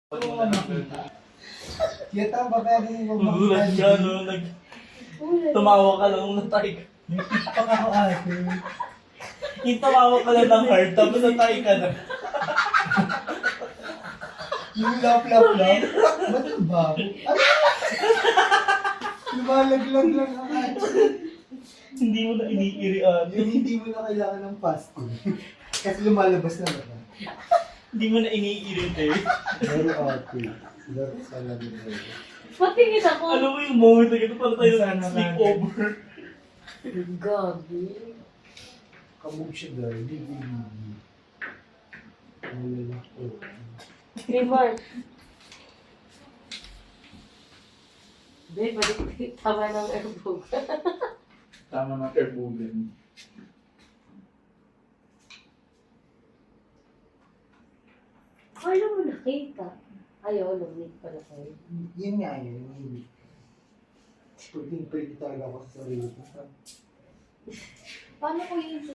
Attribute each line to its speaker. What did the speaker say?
Speaker 1: Oo nga makita. Kita ba kaya din yung
Speaker 2: Magulat ka, no? Tumawa ka lang nung natay ka.
Speaker 1: may tikpak ako ate.
Speaker 2: Yung tumawa ka lang ng heart, tapos natay ka na.
Speaker 1: Yung lap. Ba't ang bago? Ano? Lumalaglag lang ang ate.
Speaker 2: Hindi mo na iniirian.
Speaker 1: Yung hindi mo na kailangan ng fasting. Kasi lumalabas na naman.
Speaker 2: Hindi mo na iniirite.
Speaker 1: Laro ate. Laro talaga na.
Speaker 3: Patingin ako.
Speaker 2: Ano mo yung moment na gano'n para tayo
Speaker 1: Sana
Speaker 2: sleepover?
Speaker 3: Gabi.
Speaker 1: Kamog siya dahil. Hindi. Wala ko.
Speaker 3: Remark. Babe, balik tama ng airbog.
Speaker 2: Tama ng airbogan.
Speaker 3: Kala mo nakita. Ayaw, lumit pala kayo.
Speaker 1: Yun nga yun. Yung pwede talaga ako sa sarili ko.
Speaker 3: Paano ko yung